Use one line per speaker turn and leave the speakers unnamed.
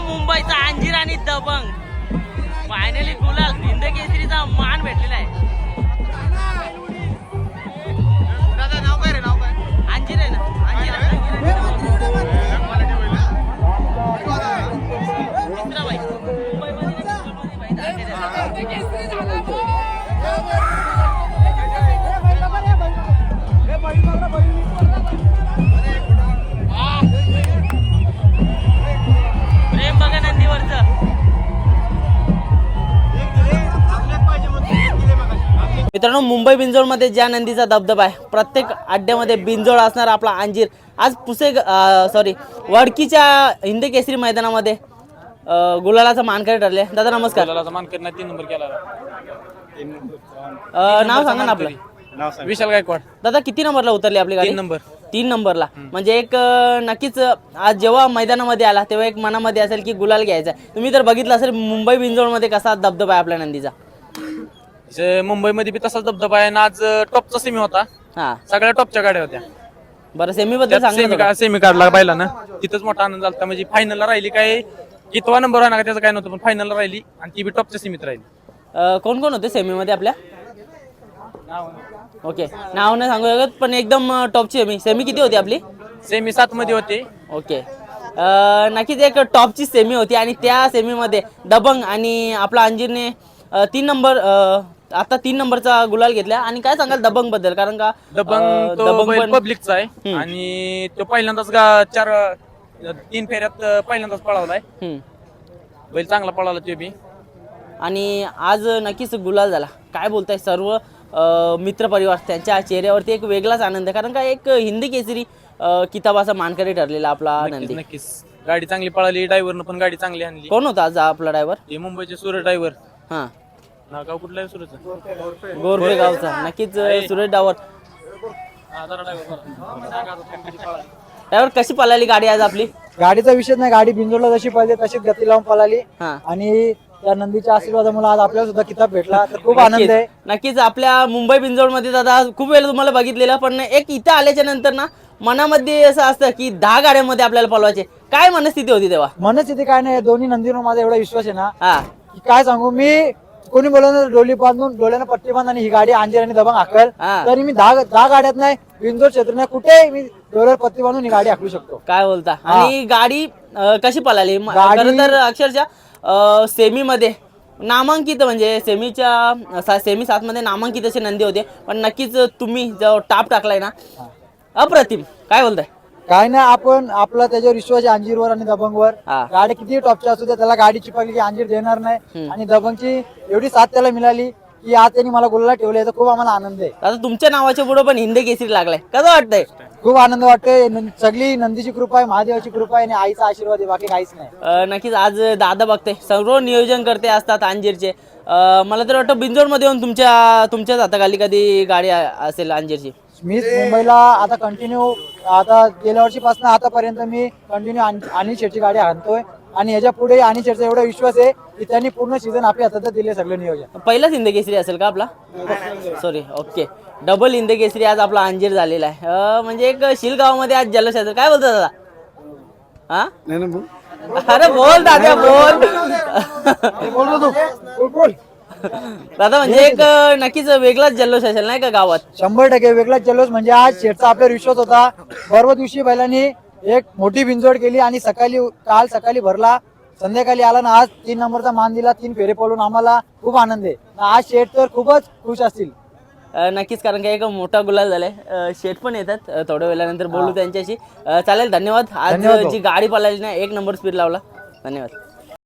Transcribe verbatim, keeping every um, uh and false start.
मुंबईचा अंजीर आणि दबंग फायनली गुलाल हिंद केसरीचा मान भेटलेला आहे.
दादा नाव काय रे नाव काय?
अंजीर आहे ना अंजीर मित्राबाई प्रेम बघा नंदीवरचं. मित्रांनो मुंबई बिंजोडमध्ये ज्या नंदीचा दबदबा आहे प्रत्येक अड्ड्यामध्ये बिंजोड असणार आपला अंजीर आज पुसे सॉरी वडकीच्या हिंद केसरी मैदानामध्ये अं, गुलालाचा मानकरी ठरले. दादा नमस्कार.
गुलालाचा मानकरी नाही तीन नंबर केला.
अं, नाव सांगा ना आपलं.
विशाल गायकवाड.
दादा किती नंबरला उतरली आपली गाडी?
तीन नंबर.
तीन नंबरला म्हणजे एक अं, नक्कीच आज जेव्हा मैदानामध्ये आला तेव्हा एक मनामध्ये असेल की गुलाल घ्यायचा. तुम्ही तर बघितलं असेल मुंबई बिंजोडमध्ये कसा दबदबा आहे आपल्या नंदीचा.
जे मुंबईमध्ये बी तसाच दबदबा आहे ना. आज टॉपचा सेमी होता.
हा
सगळ्या टॉपच्या गाड्या होत्या.
बरं सेमी बद्दल
सेमी
सांगा.
सेमी काढला पाहिला ना तिथंच मोठा आनंद झाला. म्हणजे फायनलला राहिली काय कितवा नंबर आहे ना त्याचं काय नव्हतं पण फायनलला राहिली आणि ती बी टॉपच्या सेमीत राहिली.
अं, कोण कोण होते सेमीमध्ये आपल्या? ओके नाव नाही सांगू शकत पण एकदम अं, टॉपची सेमी. सेमी किती होती आपली?
सेमी सात मध्ये होते.
ओके अं, नक्कीच एक टॉपची सेमी होती आणि त्या सेमीमध्ये दबंग आणि आपला अंजीरने अं, तीन नंबर अं, आता तीन नंबरचा गुलाल घेतला. आणि काय सांगाल दबंग बद्दल? कारण का
दबंग
अं,
तो
दबंग
बैल
पण
पब्लिकचा आहे आणि तो पहिल्यांदाच गा चार तीन फेऱ्यात पहिल्यांदाच पळवलाय.
हम्म.
बैल चांगला पळाला ते बी.
आणि आज नक्कीच गुलाल झाला. काय बोलताय सर्व अं, मित्रपरिवार त्यांच्या चेहऱ्यावरती एक वेगळाच आनंद आहे. कारण का एक हिंदी केसरी अं, किताबाचा मानकरी ठरलेला आपला नंदी.
नक्कीच गाडी चांगली पळाली. ड्रायव्हरनं पण गाडी चांगली आणली.
कोण होता आज आपला ड्रायव्हर?
हे मुंबईचे सुरज ड्रायव्हर.
हा
नाव गाव कुठलं आहे सुरज?
गोरपे गावचा. नक्कीच सुरेश डावर ड्रायव्हर कशी पळाली गाडी आज आपली?
गाडीचा विषय नाही. गाडी बिंजोडला जशी पाहिजे तशीच गती लावून पळाली
हा
आणि त्या नंदीच्या आशीर्वादामुळे आज आपल्याला सुद्धा किताब भेटला तर खूप आनंद आहे.
नक्कीच नक्कीच आपल्या मुंबई बिंजोड मध्ये दादा खूप वेळ तुम्हाला बघितलेलं पण एक इथं आल्याच्या नंतर ना मनामध्ये असं असतं की दहा गाड्यांमध्ये आपल्याला पळवायचे. काय मनस्थिती होती तेव्हा?
मनस्थिती काय नाही. दोन्ही नंदीवर माझा एवढा विश्वास आहे ना
हा
की काय सांगू. मी कोणी बोलवलं डोली बांधून डोळ्यानं पट्टी बांध आणि ही गाडी अंजीर आणि दबंग हाकल
हा.
तरी मी दहा दहा गाड्यात नाही बिंजोड क्षेत्र नाही कुठे मी डोळ्यावर पट्टी बांधून ही गाडी हाकलू शकतो.
काय बोलता? आणि गाडी अं, कशी पळाली? म-
गाडी-
खरं तर अक्षरशः सेमी मध्ये नामांकित म्हणजे सेमीच्या सा- सेमी सात मध्ये नामांकित असे नंदी होते पण नक्कीच तुम्ही जो टाप टाकलाय ना अप्रतिम. काय बोलताय?
काय नाही आपण आपला त्याच्यावर विश्वास आहे अंजीरवर आणि दबंगवर.
हा.
गाडी किती टॉपची असू द्या त्याला गाडी चिपकली की अंजीर देणार नाही आणि दबंगची एवढी साथ त्याला मिळाली की आज त्यांनी मला गुलाला ठेवले तर खूप आम्हाला आनंद आहे.
आता तुमच्या नावाच्या पुढे पण हिंदी केसरी लागलाय. कसं वाटतंय?
खूप आनंद वाटतोय. न- सगळी नंदीची कृपा आहे महादेवाची कृपा आहे आणि आईचा आशीर्वाद आहे बाकी काहीच नाही.
अ, नक्कीच आज दादा बघते सर्व नियोजन करते असतात अंजीरचे. अ, मला तर वाटतं बिंजोडमध्ये येऊन तुमच्या तुमच्याच हाताखाली कधी गाडी अ- असेल अंजीरची.
मी मुंबईला आता कंटिन्यू आता गेल्या वर्षीपासून आतापर्यंत मी कंटिन्यू अनिल शेटची गाडी आणतोय आणि याच्या पुढे अनिल शेटचा एवढा विश्वास आहे की त्यांनी पूर्ण सीझन आपल्या हातात दिले सगळं नियोजन.
पहिलाच हिंद केसरी असेल का आपला? Sorry okay double Hind Kesari आज आपला अंजीर झालेला आहे. अ, म्हणजे एक शिलगावमध्ये आज जल्लोष असेल. काय बोलतो दादा? हा अरे बोल दादा बोल. दादा म्हणजे एक अ, नक्कीच वेगळाच जल्लोष असेल नाही का गावात?
शंभर टक्के वेगळाच जल्लोष. म्हणजे आज शेठचा आपल्यावर विश्वास होता. परवा दिवशी बैलांनी एक मोठी बिंजोड केली आणि सकाळी काल सकाळी भरला संध्याकाळी आला ना आज तीन नंबरचा मान दिला. तीन फेरे पळून आम्हाला खूप आनंद आहे. आज शेठ तर खूपच खुश असतील.
अ, नक्कीच कारण का एक मोठा गुलाल झालाय. अ, शेठ पण येतात अ, थोड्या वेळानंतर बोलू त्यांच्याशी. अ, चालेल धन्यवाद. आज
धन्यवाद भाऊ.
जी गाडी पळाली ना एक नंबर स्पीड लावला. धन्यवाद.